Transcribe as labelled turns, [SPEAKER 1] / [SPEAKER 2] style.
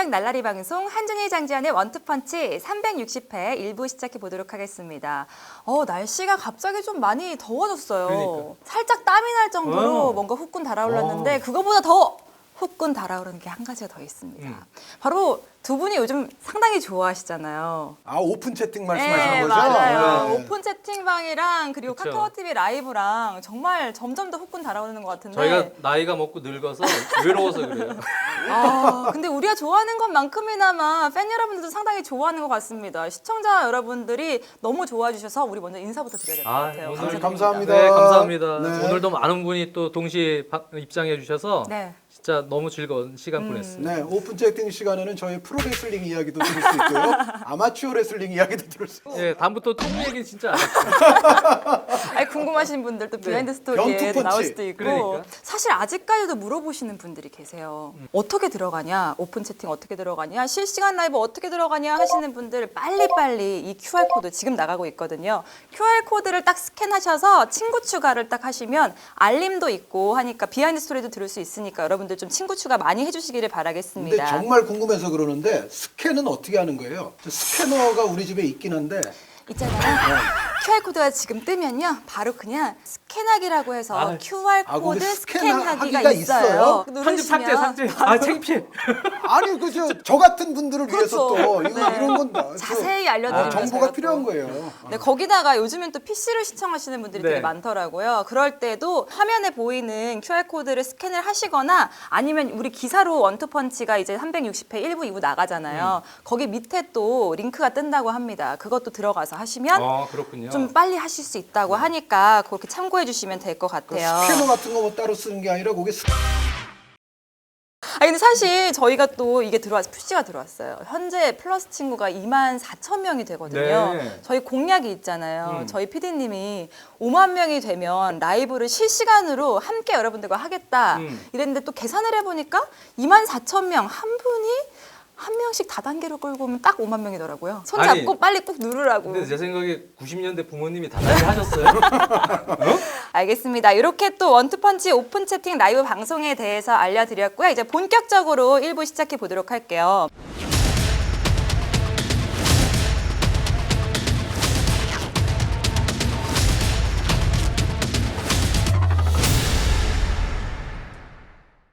[SPEAKER 1] 본격 날라리 방송 한준희 장지환의 원투펀치 360회 1부 시작해 보도록 하겠습니다. 날씨가 갑자기 좀 많이 더워졌어요.
[SPEAKER 2] 그러니까.
[SPEAKER 1] 살짝 땀이 날 정도로 뭔가 후끈 달아올랐는데 그거보다 더 후끈 달아오르는 게 한 가지가 더 있습니다. 바로 두 분이 요즘 상당히 좋아하시잖아요.
[SPEAKER 3] 아, 오픈 채팅 말씀하시는 거죠?
[SPEAKER 1] 맞아요.
[SPEAKER 3] 네.
[SPEAKER 1] 오픈 채팅방이랑 그리고
[SPEAKER 2] 그쵸.
[SPEAKER 1] 카카오 TV 라이브랑 정말 점점 더 후끈 달아오르는 것 같은데.
[SPEAKER 2] 저희가 나이가 먹고 늙어서 외로워서 그래요.
[SPEAKER 1] 근데 우리가 좋아하는 것만큼이나마 팬 여러분들도 상당히 좋아하는 것 같습니다. 시청자 여러분들이 너무 좋아해 주셔서 우리 먼저 인사부터 드려야 될 것 같아요.
[SPEAKER 2] 오늘
[SPEAKER 3] 감사합니다.
[SPEAKER 2] 네, 감사합니다.
[SPEAKER 3] 네.
[SPEAKER 2] 오늘도 많은 분이 또 동시에 입장해 주셔서
[SPEAKER 1] 네.
[SPEAKER 2] 진짜 너무 즐거운 시간 보냈습니다.
[SPEAKER 3] 네, 오픈 채팅 시간에는 저희 프로레슬링 이야기도 들을 수 있고요. 아마추어 레슬링 이야기도 들을 수 있고요.
[SPEAKER 2] 네, 다음부터 통 얘기 진짜 안 할게요.
[SPEAKER 1] 아니, 궁금하신 분들 또 비하인드 스토리에
[SPEAKER 3] 변투펀치.
[SPEAKER 1] 나올 수도 있고
[SPEAKER 2] 그러니까.
[SPEAKER 1] 사실 아직까지도 물어보시는 분들이 계세요. 어떻게 들어가냐? 오픈 채팅 어떻게 들어가냐? 실시간 라이브 어떻게 들어가냐? 하시는 분들 빨리빨리 이 QR코드 지금 나가고 있거든요. QR코드를 딱 스캔하셔서 친구 추가를 딱 하시면 알림도 있고 하니까 비하인드 스토리도 들을 수 있으니까 여러분들 좀 친구 추가 많이 해주시기를
[SPEAKER 3] 근데
[SPEAKER 1] 바라겠습니다.
[SPEAKER 3] 정말 궁금해서 그러는데 스캔은 어떻게 하는 거예요? 저 스캐너가 우리 집에 있긴 한데
[SPEAKER 1] 있잖아요. QR코드가 지금 뜨면요. 바로 그냥 스캔하기라고 해서
[SPEAKER 2] 아,
[SPEAKER 1] QR코드
[SPEAKER 3] 거기
[SPEAKER 1] 스캔하기가
[SPEAKER 3] 스캔하기가
[SPEAKER 1] 있어요.
[SPEAKER 3] 있어요?
[SPEAKER 2] 편집 삭제. 아, 창피해.
[SPEAKER 3] 아니 저 같은 분들을 위해서
[SPEAKER 1] 그렇죠.
[SPEAKER 3] 또
[SPEAKER 1] 네.
[SPEAKER 3] 이런 건
[SPEAKER 1] 자세히 알려드리면
[SPEAKER 3] 정보가
[SPEAKER 1] 제가
[SPEAKER 3] 필요한
[SPEAKER 1] 또.
[SPEAKER 3] 거예요.
[SPEAKER 1] 네, 거기다가 요즘엔 또 PC를 시청하시는 분들이
[SPEAKER 2] 네.
[SPEAKER 1] 되게 많더라고요. 그럴 때도 화면에 보이는 QR코드를 스캔을 하시거나 아니면 우리 기사로 원투펀치가 이제 360회 1부, 2부 나가잖아요. 거기 밑에 또 링크가 뜬다고 합니다. 그것도 들어가서 하시면
[SPEAKER 2] 그렇군요.
[SPEAKER 1] 좀 빨리 하실 수 있다고 하니까 그렇게 참고해 주시면 될 것
[SPEAKER 3] 그
[SPEAKER 1] 같아요.
[SPEAKER 3] 스캐너 같은 거 뭐 따로 쓰는 게 아니라 거기
[SPEAKER 1] 근데 사실 저희가 또 이게 푸시가 들어왔어요. 현재 플러스 친구가 24,000명이 되거든요.
[SPEAKER 2] 네.
[SPEAKER 1] 저희 공약이 있잖아요. 저희 PD님이 5만 명이 되면 라이브를 실시간으로 함께 여러분들과 하겠다. 이랬는데 또 계산을 해보니까 24,000명 한 분이 한 명씩 다단계로 끌고 오면 딱 5만 명이더라고요. 손
[SPEAKER 2] 아니,
[SPEAKER 1] 잡고 빨리 꾹 누르라고.
[SPEAKER 2] 근데 제 생각에 90년대 부모님이 다단계 하셨어요?
[SPEAKER 1] 알겠습니다. 이렇게 또 원투펀치 오픈 채팅 라이브 방송에 대해서 알려드렸고요. 이제 본격적으로 1부 시작해 보도록 할게요.